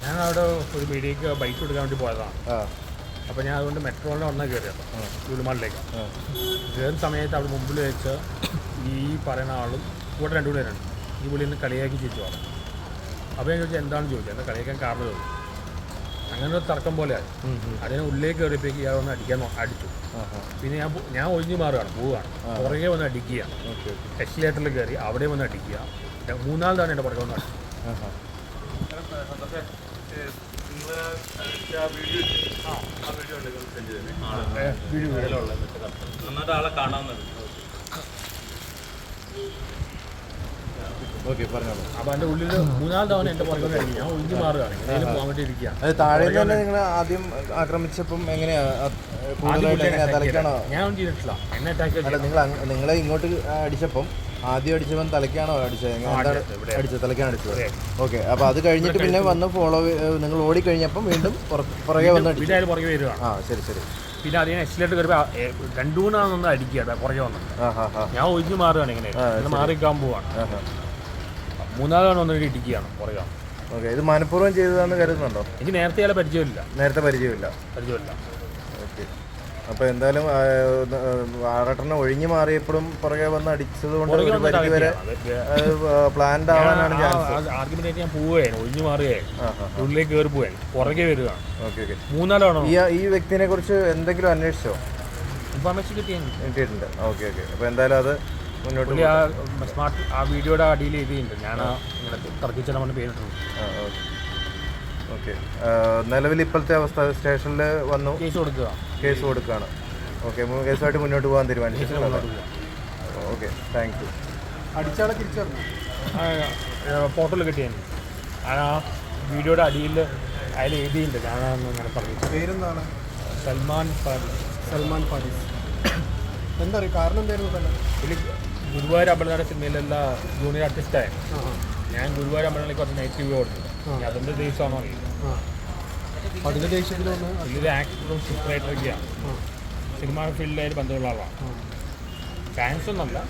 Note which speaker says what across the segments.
Speaker 1: ഞാൻ അവിടെ ഒരു മീഡിയക്ക് ബൈക്ക് എടുക്കാൻ വേണ്ടി പോയതാണ്. അപ്പോൾ ഞാൻ അതുകൊണ്ട് മെട്രോളിൽ വന്നാൽ കയറിയത് ലുലുമാളിലേക്ക്. കയറുന്ന സമയത്ത് അവിടെ മുമ്പിൽ വെച്ച് ഈ പറയുന്ന ആളും കൂടെ രണ്ടു പേരുണ്ട്. ഈ പുള്ളി നിന്ന് കളിയാക്കി ചോദിച്ചു പറഞ്ഞു. അപ്പോൾ ഞാൻ ചോദിച്ചാൽ എന്താണെന്ന് ചോദിച്ചത്, എന്താ കളിയാക്കാൻ കാരണം ചോദിച്ചു. അങ്ങനെ ഒരു തർക്കം പോലെയായി. അതിന് ഉള്ളിലേക്ക് കയറിയപ്പോഴേക്ക് ഇയാൾ വന്ന് അടിച്ചു. പിന്നെ ഞാൻ ഒഴിഞ്ഞു മാറുകയാണ്, പോവുകയാണ്. പുറകെ വന്ന് അടിക്കുകയാണ്. എക്സിലേറ്ററിൽ കയറി അവിടെ വന്ന് അടിക്കുക. മൂന്നാം തവണ എൻ്റെ പുറകെ വന്ന് അടിച്ചു. അപ്പൊ എന്റെ ഉള്ളിൽ മൂന്നാം തവണ എന്റെ പുറകെ അടിക്കും. ഞാൻ ഒഴിഞ്ഞു മാറുകയാണ്, എങ്ങനെയും പോകാൻ വേണ്ടി ഇരിക്കുകയാണ്.
Speaker 2: താഴെ തന്നെ നിങ്ങൾ ആദ്യം ആക്രമിച്ചപ്പം എങ്ങനെയാ തലയ്ക്കാണോ?
Speaker 1: ഞാൻ ഒന്നും ചെയ്തിട്ടില്ല, എന്നെ അറ്റാക്ക്
Speaker 2: അല്ല. നിങ്ങളെ ഇങ്ങോട്ട് അടിച്ചപ്പം ആദ്യം അടിച്ചവൻ തലയ്ക്കാണോ അടിച്ചത്? അടിച്ചത് തലയ്ക്കാണ് അടിച്ചത്. ഓക്കെ. അപ്പൊ അത് കഴിഞ്ഞിട്ട് പിന്നെ വന്ന് ഫോളോ നിങ്ങൾ ഓടി കഴിഞ്ഞപ്പം വീണ്ടും പുറകെ വന്ന്
Speaker 1: പുറകെ വരികയാണ്.
Speaker 2: ശരി ശരി.
Speaker 1: പിന്നെ അതിന് എക്സിലേറ്റർ കയറിയപ്പോൾ രണ്ടു മൂന്നാണെന്ന് അടിക്കുക പുറകെ വന്നിട്ട്. ഞാൻ ഒഴിഞ്ഞു മാറുകയാണ്, ഇങ്ങനെ മാറിക്കാൻ പോവാണ്. മൂന്നാമതാണ് വന്നിട്ട് ഇടിക്കുകയാണ് പുറകെ.
Speaker 2: ഓക്കെ. ഇത് മനഃപൂർവ്വം ചെയ്തതാണെന്ന് കരുതുന്നുണ്ടോ?
Speaker 1: എനിക്ക് നേരത്തെ പരിചയമില്ല.
Speaker 2: പരിചയമില്ല. ഓക്കെ. അപ്പോൾ എന്തായാലും ആറട്ടനെ ഒഴിഞ്ഞു മാറിയപ്പോഴും പുറകെ വന്ന് അടിച്ചത് കൊണ്ട് ഒരു പരിധി വരെ പ്ലാൻഡ് ആവാനാണ് ചാൻസ്.
Speaker 1: ആർഗ്യുമെന്റ് ഞാൻ പോവുകയാണ്, ഒഴിഞ്ഞു മാറുകയാണ്, ഉള്ളിലേക്ക് കയറി പോവുകയാണ്, പുറകെ വരികയാണ്.
Speaker 2: Okay okay.
Speaker 1: മൂന്നാലാണോ?
Speaker 2: ഈ വ്യക്തിനെ കുറിച്ച് എന്തെങ്കിലും അന്വേഷിച്ചോ?
Speaker 1: ഇൻഫർമേഷൻ
Speaker 2: കിട്ടിയിട്ടുണ്ട്. Okay okay. അപ്പോൾ എന്തായാലും അത് മുന്നോട്ട്
Speaker 1: സ്മാർട്ട് ആ വീഡിയോയുടെ അടിയിൽ എഴുതിയിട്ടുണ്ട്. ഞാൻ ഇങ്ങനെ തർക്കിച്ചാൽ പറഞ്ഞ് പേരിട്ടുണ്ട്.
Speaker 2: ഓക്കെ. നിലവിൽ ഇപ്പോഴത്തെ അവസ്ഥ സ്റ്റേഷനിൽ വന്നു കേസ് കൊടുക്കുകയാണ്. ഓക്കെ. കേസുമായിട്ട് മുന്നോട്ട് പോകാൻ തീരുമാനിച്ചിട്ടുണ്ട്. ഓക്കെ. Thank you.
Speaker 3: അടിച്ചാളെ തിരിച്ചറിഞ്ഞു
Speaker 1: ഫോട്ടോയിൽ കിട്ടിയാണ്. ആ വീഡിയോയുടെ അടിയിൽ അതിൽ എഴുതിയിട്ടുണ്ട്. ഞാനൊന്നും ഇങ്ങനെ പറഞ്ഞു.
Speaker 3: പേരെന്താണ്?
Speaker 1: സൽമാൻ
Speaker 3: ഫാരിസ്. എന്താ പറയുക, കാരണം എന്തായിരുന്നു? തന്നെ
Speaker 1: ഇതിൽ ഗുരുവായൂർ അമ്പലനാട് സിനിമയിലുള്ള ജൂനിയർ ആർട്ടിസ്റ്റായ ഞാൻ ഗുരുവായൂർ അമ്പലനാടിലേക്ക് കുറച്ച് നെഗറ്റീവ് കൊടുത്തു. അതിൻ്റെ ദേശമാണോ അറിയില്ല.
Speaker 3: അതിൻ്റെ ദേശത്തിലൊന്ന്
Speaker 1: ഇതിൽ ആക്ടറും സ്ക്രിപ്റ്റ് റൈറ്ററൊക്കെയാണ്. സിനിമാ ഫീൽഡിലായിട്ട് ബന്ധമുള്ള ആളാണ്. ഫാൻസ് ഒന്നല്ല,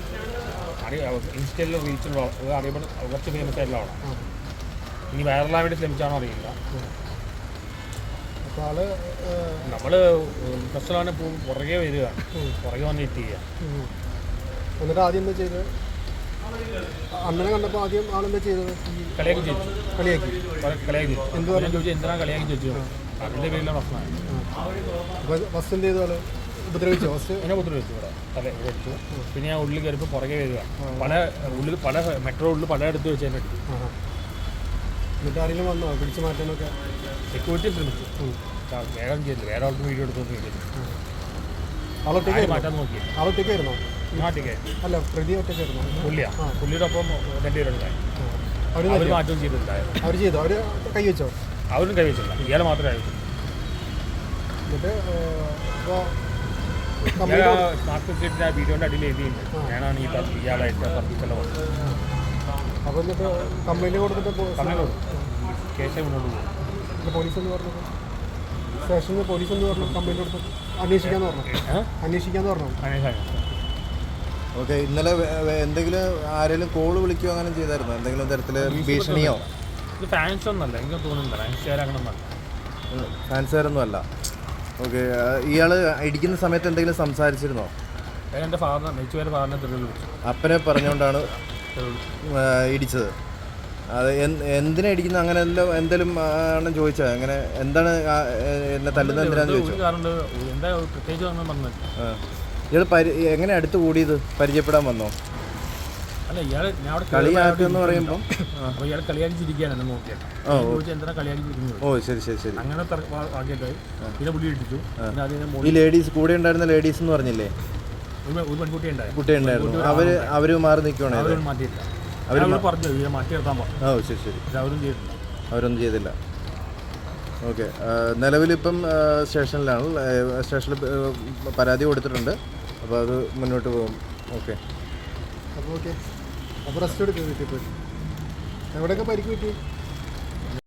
Speaker 1: ഇൻസ്റ്റയിൽ റീച്ചുള്ള അറിയപ്പെടുന്ന കുറച്ച് ഫേമസ് ആയിട്ടുള്ള ആളാണ്. ഇനി വൈറലാൻ വേണ്ടി ശ്രമിച്ചാണോ അറിയില്ല.
Speaker 3: അപ്പോൾ ആള്
Speaker 1: നമ്മൾ പ്രശ്നമാണ് പുറകെ വരികയാണ്, പുറകെ വന്ന് ഹിറ്റ് ചെയ്യുക.
Speaker 3: എന്നിട്ട് ആദ്യം എന്താ ചെയ്തത്? അണ്ണനെ കണ്ടപ്പോൾ ആദ്യം ആളെന്താ ചെയ്തത്?
Speaker 1: കളിയാക്കി ചോദിച്ചു.
Speaker 3: എന്തുവാണ്
Speaker 1: ചോദിച്ചു, എന്തിനാണ് കളിയാക്കി ചോദിച്ചു? അതിൻ്റെ പേരിലാണ് പ്രശ്നമായി.
Speaker 3: അപ്പോൾ ഫസ്റ്റ് എന്ത് ചെയ്തു? ആള് ഉപദ്രവിച്ചോ?
Speaker 1: എന്നെ ഉപദ്രവിച്ചു. ഇവിടെ തല വെച്ചു. പിന്നെ ഞാൻ ഉള്ളിൽ കയറിപ്പോൾ പുറകെ വരിക. പല മെട്രോ ഉള്ളിൽ പലയിടത്ത് വെച്ച് തന്നെ അടിച്ചു.
Speaker 3: എന്നിട്ട് ആരെങ്കിലും വന്നോ പിടിച്ചു മാറ്റാനൊക്കെ?
Speaker 1: സെക്യൂരിറ്റി ശ്രമിച്ചു. വേഗം ചെയ്തില്ല, വേറെ ആൾക്ക് വീഡിയോ എടുത്തൊന്നും ചെയ്തില്ല.
Speaker 3: ആളൊറ്റയ്ക്ക്
Speaker 1: മാറ്റാൻ നോക്കി.
Speaker 3: ആളൊറ്റയ്ക്കായിരുന്നോ?
Speaker 1: നാട്ടിലേക്ക്
Speaker 3: അല്ല, പ്രതി ഒറ്റയ്ക്കായിരുന്നോ?
Speaker 1: പുള്ളിയുടെ ഒപ്പം രണ്ടുപേരുണ്ടായി. അവർ മാറ്റവും ചെയ്തിട്ടുണ്ടായിരുന്നു.
Speaker 3: അവർ ചെയ്തോ? അവർ കൈവച്ചോ?
Speaker 1: അവരും കൈവച്ചില്ല, ഇയാളെ മാത്രമേ കൈവച്ചില്ല.
Speaker 3: എന്നിട്ട്
Speaker 1: സ്മാർട്ട് ഫെസിലിറ്റിൻ്റെ ആ വീഡിയോൻ്റെ അടിയിൽ എഴുതിയിട്ടുണ്ട് ഞാനാണ് ഇയാളായിട്ട് തർക്കിച്ചെല്ലാം വന്നത്.
Speaker 3: അപ്പോൾ എന്നിട്ട് കംപ്ലൈൻറ്റ് കൊടുത്തിട്ട്
Speaker 1: കേസേ മുന്നോട്ട് പോകും.
Speaker 3: പോലീസ് എന്ന് പറഞ്ഞത് സ്റ്റേഷനിൽ പോലീസ് എന്ന് പറഞ്ഞു കംപ്ലൈൻറ്റ് കൊടുത്തു അന്വേഷിക്കാന്ന് പറഞ്ഞു.
Speaker 2: ഓക്കെ. ഇന്നലെ എന്തെങ്കിലും ആരെങ്കിലും കോള് വിളിക്കുകയോ അങ്ങനെ ചെയ്തായിരുന്നോ? എന്തെങ്കിലും തരത്തിൽ ഭീഷണിയോ?
Speaker 1: ഇത് ഫാൻസ് ഒന്നല്ല, എനിക്ക് തോന്നുന്നില്ല
Speaker 2: ഫാൻസുകാരൊന്നും അല്ല. ഓക്കെ. ഇയാൾ ഇടിക്കുന്ന സമയത്ത് എന്തെങ്കിലും സംസാരിച്ചിരുന്നോ?
Speaker 1: എൻ്റെ ഫാദറിനെ വിളിച്ചു.
Speaker 2: അപ്പനെ പറഞ്ഞുകൊണ്ടാണ് ഇടിച്ചത്. അത് എന്തിനാ ഇടിക്കുന്നത്? അങ്ങനെ എന്തെങ്കിലും ആണ് ചോദിച്ചത്? അങ്ങനെ എന്താണ് എന്നെ തല്ലുന്നത് എന്തിനാന്ന് ചോദിച്ചു. ഇയാൾ എങ്ങനെ അടുത്ത് കൂടിയത്? പരിചയപ്പെടാൻ വന്നോ?
Speaker 1: അല്ല, ഇയാൾ
Speaker 2: കളിയാക്കെന്ന് പറയുമ്പോൾ
Speaker 1: ഇയാൾ കളിയാക്കിച്ചിരിക്കുകയാണ് എന്നെ നോക്കിയത്. എന്തിനാ കളിയാക്കിച്ചിരിക്കുന്നത്?
Speaker 2: ഓ ശരി ശരി ശരി.
Speaker 1: അങ്ങനെ ആക്കിയിട്ടായി. പിന്നെ പുള്ളി ഇടിച്ചു.
Speaker 2: ഈ ലേഡീസ് കൂടെ ഉണ്ടായിരുന്ന ലേഡീസ് എന്ന് പറഞ്ഞില്ലേ?
Speaker 1: ഒരു പെൺകുട്ടി
Speaker 2: ഉണ്ടായിരുന്നു. അവര് മാറി നിൽക്കുകയാണ്.
Speaker 1: മാറ്റിയില്ല. അവർ പറഞ്ഞു മാറ്റി നിർത്താൻ പറഞ്ഞു.
Speaker 2: ഓ ശരി ശരി.
Speaker 1: അവരൊന്നും ചെയ്തില്ല.
Speaker 2: ഓക്കെ. നിലവിലിപ്പം സ്റ്റേഷനിലാണ്. സ്റ്റേഷനിൽ പരാതി കൊടുത്തിട്ടുണ്ട്. അപ്പോൾ അത് മുന്നോട്ട് പോകും. ഓക്കെ.
Speaker 3: അപ്പോൾ റെസ്റ്റ് എടുക്കുക. എവിടെയൊക്കെ പരിക്ക് പറ്റി?